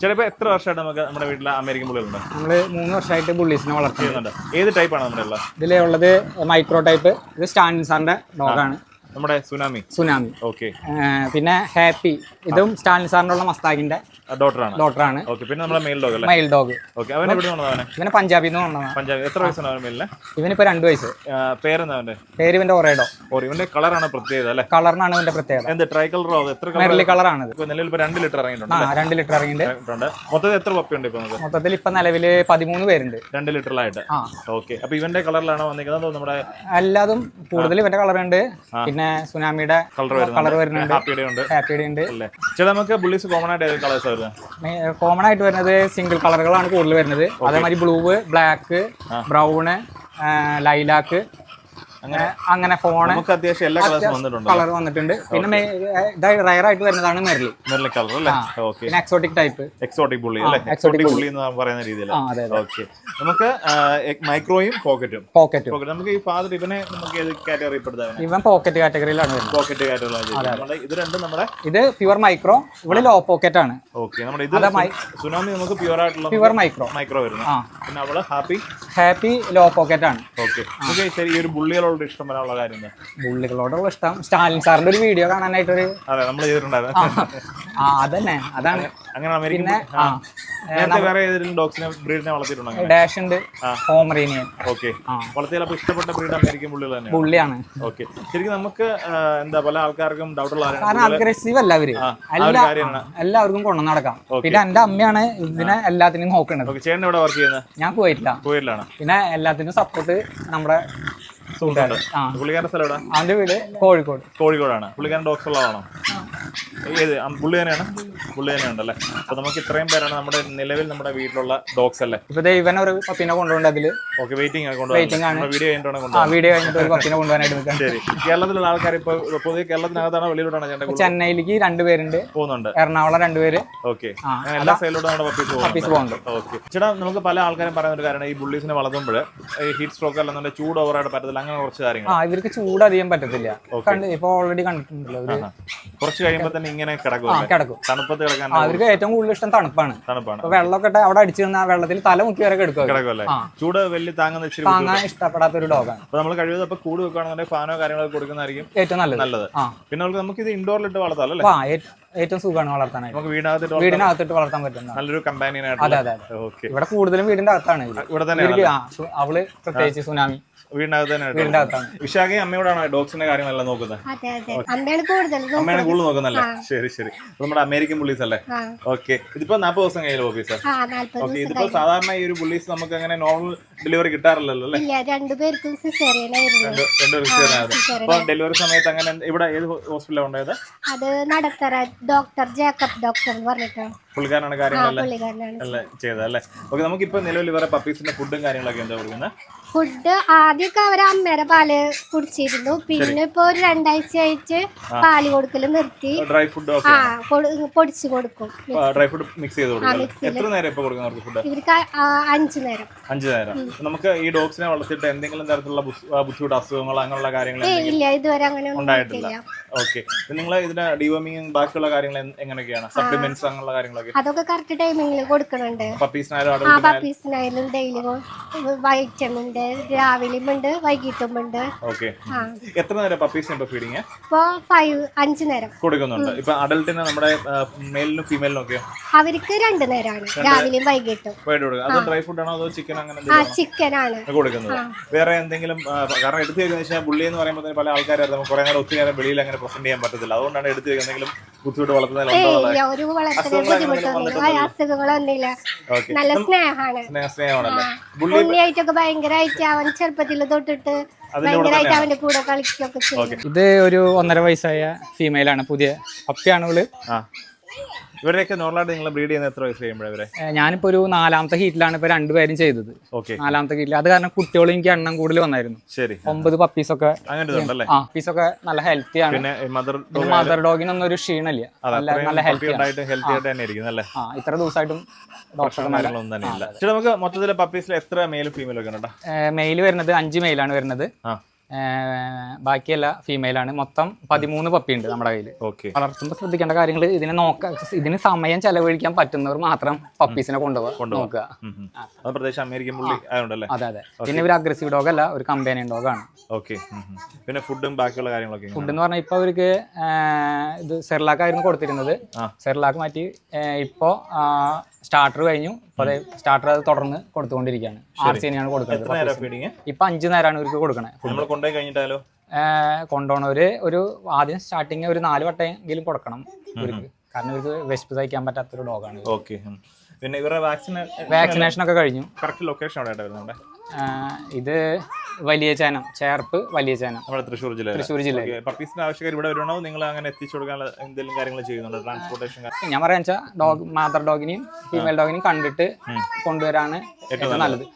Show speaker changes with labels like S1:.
S1: ചിലപ്പോൾ എത്ര വർഷമായിട്ട് നമുക്ക് നമ്മുടെ വീട്ടിൽ അമേരിക്കൻ ബുള്ളികളുണ്ട്?
S2: നമ്മൾ 3 വർഷമായിട്ട് ബുള്ളീസിനെ
S1: വളർത്തുന്നുണ്ട്. ഏത് ടൈപ്പാണ് നമ്മുടെ ഉള്ളത്?
S2: ഇതിലുള്ളത് മൈക്രോ ടൈപ്പ്. ഇത് സ്റ്റാൻലിൻ സാറിന്റെ ഡോഗാണ്.
S1: നമ്മുടെ സുനാമി. ഓക്കെ.
S2: പിന്നെ ഹാപ്പി, ഇതും സ്റ്റാൻലിൻ സാറിന്റെ ഉള്ള മസ്താഗിന്റെ ഡോട്ടറാണ്.
S1: പിന്നെ നമ്മുടെ മെയിൽ ഡോഗ്.
S2: ഇവനെ പഞ്ചാബിൽ നിന്ന് വന്നതാണ്.
S1: പഞ്ചാബ്. എത്ര വയസ്സാണ് അവൻ മെയിലിന്?
S2: ഇവനിപ്പോ 2 വയസ്സ്.
S1: പേരെന്താ അവന്റെ?
S2: പേര് ഇവന്റെ ഒറേഡോ.
S1: ഇവന്റെ കളറാണ് പ്രത്യേകത അല്ലേ?
S2: കളറിനാണ് ഇവന്റെ പ്രത്യേകത.
S1: എന്ത് ട്രൈ കളറോ? എത്ര
S2: മെർലി കളറാണ് ഇത്.
S1: നിലവിൽ 2 ലിറ്റർ ഇറങ്ങിയിട്ടുണ്ട്.
S2: 2 ലിറ്റർ ഇറങ്ങിയിട്ടുണ്ട്.
S1: മൊത്തത്തിൽ എത്ര പപ്പിയുണ്ട് ഇപ്പൊ?
S2: മൊത്തത്തിൽ ഇപ്പൊ നിലവില് 13 പേരുണ്ട്
S1: 2 ലിറ്ററിലായിട്ട്. ഓക്കെ. അപ്പൊ ഇവന്റെ കളറിലാണോ വന്നിരിക്കുന്നത്? നമ്മുടെ
S2: എല്ലാതും കൂടുതൽ ഇവന്റെ കളറുണ്ട്. പിന്നെ സുനാമിയുടെ കളർ വരുന്നുണ്ട്. ഹാപ്പിയുടെ ഉണ്ട്.
S1: നമുക്ക് ബുള്ളീസ് കോമൺ ആയിട്ട് കളേഴ്സ് വരുന്നത്?
S2: കോമൺ ആയിട്ട് വരുന്നത് സിംഗിൾ കളറുകളാണ് കൂടുതൽ വരുന്നത്. അതേമാതിരി ബ്ലൂ, ബ്ലാക്ക്, ബ്രൗണ്, ലൈലാക്ക്, അങ്ങനെ ഫോണ്
S1: നമുക്ക് അത്യാവശ്യം എല്ലാ
S2: കളർ വന്നിട്ടുണ്ട്. പിന്നെ റയർ ആയിട്ട് വരുന്നതാണ് മെർലി
S1: കളർ അല്ലേ?
S2: പിന്നെ എക്സോട്ടിക് ടൈപ്പ്.
S1: എക്സോട്ടിക് ബുള്ളി അല്ലേ? എക്സോട്ടിക് ബുള്ളി എന്ന് പറയുന്ന രീതിയിൽ. ഓക്കെ. നമുക്ക് മൈക്രോയും പോക്കറ്റും. നമുക്ക് ഈ ഫാദർ ഇവനെ നമുക്ക് ഏത് കാറ്റഗറി പെടുത്താൻ?
S2: ഇവൻ പോക്കറ്റ് കാറ്റഗറിയിലാണ് വരുന്നത്.
S1: പോക്കറ്റ് കാറ്റഗറിയിലാണ്. ഇത് രണ്ടും നമ്മുടെ
S2: ഇത് പ്യുവർ മൈക്രോ, ഇവിടെ ലോ പോക്കറ്റ് ആണ്.
S1: ഓക്കെ. നമ്മുടെ ഇത് സുനാമി നമുക്ക് പ്യുവർ ആയിട്ടുള്ള
S2: പ്യുവർ മൈക്രോ
S1: വരുന്നു. പിന്നെ അവള്
S2: ഹാപ്പി ലോ പോക്കറ്റ് ആണ്.
S1: ഓക്കെ. നമുക്ക് ശരി ഈ ഒരു ബുള്ളികളോട് ഇഷ്ടം വരാനുള്ള കാര്യം എന്താ?
S2: ബുള്ളികളോടുള്ള ഇഷ്ടം സ്റ്റാലിൻ സാറിന്റെ ഒരു വീഡിയോ കാണാനായിട്ടൊരു
S1: നമ്മൾ ചെയ്തിട്ടുണ്ടായിരുന്നു.
S2: അതന്നെ അതാണ്.
S1: അങ്ങനെ അമേരിക്കൻ വേറെ ഏതെങ്കിലും ഡോഗ്സിനെ ബ്രീഡിനെ വളർത്തിയിട്ടുണ്ടോ?
S2: ഡാഷ് ഉണ്ട്, പോമറേനിയൻ.
S1: ഓക്കെ. വളർത്തിയാൽ ഇഷ്ടപ്പെട്ട ബ്രീഡ് അമേരിക്കൻ ബുള്ളികൾ തന്നെ
S2: ബുള്ളിയാണ്.
S1: ഓക്കെ. ശരിക്കും നമുക്ക് എന്താ പല ആൾക്കാർക്കും ഡൗട്ടുള്ള
S2: കാരണം അഗ്രസീവ് അല്ല അവര്, എല്ലാവർക്കും കൊണ്ടു നടക്കാം. പിന്നെ എന്റെ അമ്മയാണ് ഇതിനെ എല്ലാത്തിനും നോക്കുന്നത്.
S1: ചേട്ടൻ എവിടെ വർക്ക് ചെയ്യുന്നത്?
S2: ഞാൻ കുവൈറ്റിലാണ്. പിന്നെ എല്ലാത്തിനും സപ്പോർട്ട് നമ്മുടെ
S1: പുള്ളിക്കാരന്റെ സ്ഥലം എവിടെ?
S2: അവന്റെ വീട് കോഴിക്കോടാണ്.
S1: പുള്ളിക്കാരൻ ഡോഗ്സ് ഉള്ളതാണോ? ഏത് പുള്ളി തന്നെയുണ്ടല്ലേ? അപ്പൊ നമുക്ക് ഇത്രയും പേരാണ് നമ്മുടെ നിലവിൽ നമ്മുടെ വീട്ടിലുള്ള ഡോഗ്സ് അല്ലേ?
S2: ഇപ്പൊ ഇവൻ ഒരു പപ്പിനെ കൊണ്ടുപോകേണ്ട അതില്.
S1: ഓക്കെ. വെയിറ്റിംഗ് ആണ്.
S2: വീഡിയോ കഴിഞ്ഞിട്ട് ഒരു പപ്പിനെ കൊണ്ടുപോകാനായിട്ട്.
S1: ശരി. കേരളത്തിലുള്ള ആൾക്കാർ ഇപ്പൊ പൊതുവെ കേരളത്തിനകത്താണോ വെളിയിലോട്ടാണ് ചേട്ടൻ?
S2: ചെന്നൈയിലേക്ക് 2 പേരുണ്ട്, എറണാകുളം 2 പേര്.
S1: ഓക്കെ. എല്ലാ സൈഡിലോട്ടും നമ്മുടെ പപ്പീസ് പോകുന്നുണ്ട്. ഓക്കെ. ചേട്ടാ, നമുക്ക് പല ആൾക്കാരും പറയുന്ന ഒരു കാര്യമാണ് ഈ ബുള്ളീസിനെ വളർത്തുമ്പോൾ ഈ ഹീറ്റ് സ്ട്രോക്ക് അല്ലെന്നുണ്ടെങ്കിൽ ചൂട് ഓവറായിട്ട് പറ്റത്തില്ല, അങ്ങനെ കുറച്ച് കാര്യങ്ങൾ.
S2: ഇവർക്ക് ചൂട് അധികം പറ്റത്തില്ല. ഇപ്പൊ ഓൾറെഡി കണ്ടിട്ടുണ്ടല്ലോ.
S1: കുറച്ച് കഴിയുമ്പോൾ തന്നെ ഇങ്ങനെ കിടക്കും. തണുപ്പത്ത് കിടക്കാൻ
S2: അവർക്ക് ഏറ്റവും കൂടുതൽ ഇഷ്ടം തണുപ്പാണ്. വെള്ളമൊക്കെ അവിടെ അടിച്ചു നിന്ന വെള്ളത്തിൽ തല മുക്കി വരെ കിടക്കുമല്ലേ.
S1: ചൂട് വലിയ താങ്ങാൻ
S2: ഇഷ്ടപ്പെടാത്ത ഒരു ഡോഗാണ്.
S1: അപ്പൊ നമ്മൾ കഴിയുന്നത് കൂട് വെക്കുകയാണെന്നുണ്ടെങ്കിൽ ഫാനോ കാര്യങ്ങളൊക്കെ കൊടുക്കുന്നതായിരിക്കും ഏറ്റവും നല്ലത്. പിന്നെ നമുക്ക് ഇത് ഇൻഡോറിലിട്ട് വളർത്താം അല്ലേ?
S2: ഏറ്റവും സുഖമാണ് വളർത്താനായി.
S1: നമുക്ക്
S2: വീടിനകത്തിട്ട് വളർത്താൻ പറ്റുന്ന
S1: നല്ലൊരു കമ്പാനിയൻ
S2: ആയിട്ട്. അതെ. ഇവിടെ കൂടുതലും വീടിന്റെ അകത്താണ്.
S1: ഇവിടെ തന്നെ
S2: അവള് പ്രത്യേകിച്ച് സുനാമി
S1: വീടിനകത്ത് തന്നെ. വിശാഖ അമ്മയോടാണ് ഡോഗ്സിന്റെ കാര്യങ്ങളെല്ലാം നോക്കുന്നത്? അമ്മയാണ് കൂടുതൽ നോക്കുന്നല്ലേ? ശരി. നമ്മുടെ അമേരിക്കൻ ബുള്ളീസ് അല്ലേ? ഓക്കെ. ഇതിപ്പോ 40 ദിവസം കഴിഞ്ഞു ഓഫീസർ. ഓക്കെ. ഇതിപ്പോ സാധാരണ ഈ ഒരു ബുള്ളീസ് നമുക്ക് അങ്ങനെ നോർമൽ ഡെലിവറി കിട്ടാറില്ലല്ലോ അല്ലേ?
S3: 2 പേർക്കും സിസേറിയൻ ആയിരുന്നു.
S1: അപ്പൊ ഡെലിവറി സമയത്ത് അങ്ങനെ ഇവിടെ ഏത് ഹോസ്പിറ്റലാണ് ഉണ്ടായത്?
S3: അത് നടത്തറ ഡോക്ടർ ജേക്കബ് ഡോക്ടർ എന്ന് പറഞ്ഞിട്ട്
S1: പുള്ളിക്കാരനാണ് കാര്യങ്ങളെല്ലാം ചെയ്തത് അല്ലേ? ഓക്കെ. നമുക്കിപ്പോ നിലവിൽ ഇവരെ പപ്പീസിന്റെ ഫുഡും കാര്യങ്ങളൊക്കെ എന്താ കൊടുക്കുന്നത്?
S3: ഫുഡ് ആദ്യമൊക്കെ അവരെ അമ്മയുടെ പാല് കുടിച്ചിരുന്നു. പിന്നെ ഇപ്പൊ ഒരു 2 ആഴ്ചയായിട്ട് പാല് കൊടുക്കല് നിർത്തി.
S1: ഡ്രൈ ഫുഡ്
S3: പൊടിച്ചു കൊടുക്കും.
S1: ഡ്രൈ ഫുഡ് മിക്സ് ചെയ്ത് കൊടുക്കും. എത്ര നേരം ഇപ്പൊ കൊടുക്കുന്നത് ഫുഡ്?
S3: ഇവർക്ക് 5 നേരം.
S1: നമുക്ക് ഈ ഡോഗ്സിനെ വളർത്തിയിട്ട് എന്തെങ്കിലും തരത്തിലുള്ള ബുദ്ധിമുട്ട്, അസുഖങ്ങൾ അങ്ങനെയുള്ള കാര്യങ്ങൾ
S3: ഇല്ല, ഇതുവരെ അങ്ങനെ
S1: ഉണ്ടായിട്ടില്ല. ഓക്കെ. നിങ്ങൾ ഇതിന്റെ ഡിവോമിങ് ബാക്കിയുള്ള കാര്യങ്ങൾ എങ്ങനെയൊക്കെയാണ്? സപ്ലിമെന്റ്സ് അങ്ങനെയുള്ള കാര്യങ്ങളൊക്കെ
S3: അതൊക്കെ കറക്റ്റ് ടൈമിങ്ങിൽ കൊടുക്കുന്നുണ്ട്. പപ്പീസിനായാലും ഡെയിലി വൈറ്റമിൻ രാവിലെയും ഉണ്ട്, വൈകിട്ടും ഉണ്ട്.
S1: എത്ര നേരം പപ്പീസിന് ഇപ്പൊ ഫീഡിങ്?
S3: ഇപ്പൊ 5 നേരം
S1: കൊടുക്കുന്നുണ്ട്. ഇപ്പൊ അഡൽട്ടിന് നമ്മുടെ മെയിലിനും ഫീമെയിലിനും ഒക്കെ
S3: അവർക്ക് 2 നേരമാണ്, രാവിലെയും വൈകിട്ടും.
S1: ഡ്രൈ ഫുഡ് ആണോ അതോ ചിക്കൻ? അങ്ങനെ
S3: ചിക്കൻ ആണ് കൊടുക്കുന്നത്.
S1: വേറെ എന്തെങ്കിലും? കാരണം എടുത്തു വെക്കുന്ന ബുള്ളി എന്ന് പറയുമ്പോൾ പല ആൾക്കാരും നമുക്ക് കുറെ നേരം ഒത്തിരി നേരം വെളിയിൽ അങ്ങനെ പ്രസന്റ് ചെയ്യാൻ പറ്റത്തില്ല. അതുകൊണ്ടാണ് എടുത്തു എന്തെങ്കിലും ബുദ്ധിമുട്ട് വളർത്തുന്നതിൽ
S3: അസുഖങ്ങളൊന്നുമില്ല. നല്ല സ്നേഹമാണല്ലേ? ബുള്ളിയായിട്ടൊക്കെ ഭയങ്കരമായിട്ട് അവൻ ചെറുപ്പത്തിൽ തൊട്ടിട്ട് ഭയങ്കരമായിട്ട് അവന്റെ കൂടെ കളിക്കൊക്കെ ചെയ്യും.
S2: ഇത് ഒരു 1.5 വയസ്സായ ഫീമെയിലാണ്, പുതിയ പപ്പിയാണ് ഇവള്.
S1: ഇവരെയൊക്കെ നോർമലായിട്ട് നിങ്ങൾ ബ്രീഡ് ചെയ്യുന്ന എത്ര വയസ്സ് കഴിയുമ്പോഴേ?
S2: ഞാനിപ്പോ ഒരു 4ാമത്തെ ഹീറ്റിലാണ് ഇപ്പൊ 2 പേരും ചെയ്തത്. 4ാമത്തെ ഹീറ്റിൽ. അത് കാരണം കുട്ടികളും എനിക്ക് എണ്ണം കൂടുതൽ വന്നായിരുന്നു. 9 പപ്പീസൊക്കെ. പപ്പീസൊക്കെ നല്ല ഹെൽത്തി ആണ്. മദർ ഡോഗിനൊന്നും ഒരു ക്ഷീണമില്ല, നല്ല ഹെൽത്തി ആണ്. ഇത്ര ദിവസമായിട്ടും
S1: നമുക്ക് മൊത്തത്തിൽ പപ്പീസിൽ എത്ര മെയിലും ഫീമെയിലും ഒക്കെ?
S2: മെയിൽ വരുന്നത് 5 മെയിലാണ് വരുന്നത്. ബാക്കിയല്ല ഫീമെയിലാണ്. മൊത്തം 13 പപ്പി ഉണ്ട് നമ്മുടെ കയ്യിൽ. വളർത്തുമ്പോൾ ശ്രദ്ധിക്കേണ്ട കാര്യങ്ങൾ ഇതിന് സമയം ചെലവഴിക്കാൻ പറ്റുന്നവർ മാത്രം പപ്പീസിനെ നോക്കുക. അതെ അതെ. പിന്നെ ഒരു അഗ്രസീവ് ഡോഗ് അല്ല, ഒരു കമ്പാനിയൻ ഡോഗാണ്.
S1: പിന്നെ ഫുഡും ബാക്കിയുള്ള കാര്യങ്ങളൊക്കെ.
S2: ഫുഡ് എന്ന് പറഞ്ഞാൽ ഇപ്പൊ അവർക്ക് ഇത് സെർലാക്ക് ആയിരുന്നു കൊടുത്തിരുന്നത്. സെർലാക്ക് മാറ്റി ഇപ്പോ സ്റ്റാർട്ടർ കഴിഞ്ഞു. അതെ, സ്റ്റാർട്ടർ അത് തുടർന്ന് കൊടുത്തുകൊണ്ടിരിക്കുകയാണ്. RC-നെയാണ് കൊടുക്കുന്നത്. ഇപ്പൊ 5 നേരമാണ് ഇവർക്ക് കൊടുക്കണേ. കൊണ്ടുപോകണവര് ആദ്യം സ്റ്റാർട്ടിങ് ഒരു 4 വട്ടമെങ്കിലും കൊടുക്കണം ഇവർക്ക്. കാരണം ഇവർക്ക് വിശപ്പ് സഹിക്കാൻ പറ്റാത്തൊരു ഡോഗാണ്.
S1: പിന്നെ ഇവരുടെ
S2: വാക്സിനേഷൻ ഒക്കെ കഴിഞ്ഞു.
S1: കറക്റ്റ് ലൊക്കേഷൻ എവിടെ വരുന്നുണ്ട്?
S2: ഇത് വലിയ ചേനം, ചേർപ്പ് വലിയ ചേനം,
S1: തൃശ്ശൂർ ജില്ല. പപ്പീസിന്റെ ആവശ്യക്കാർ ഇവിടെ വരുവാണോ? നിങ്ങൾ അങ്ങനെ എത്തിച്ചു കൊടുക്കാനുള്ള എന്തെങ്കിലും കാര്യങ്ങൾ ചെയ്യുന്നുണ്ടോ? ട്രാൻസ്പോർട്ടേഷൻ
S2: ഞാൻ പറയാന്ന് വെച്ചാൽ മദർ ഡോഗിനെയും ഫീമെയിൽ ഡോഗിനെയും കണ്ടിട്ട് കൊണ്ടുവരാണ് ഏറ്റവും നല്ലത്.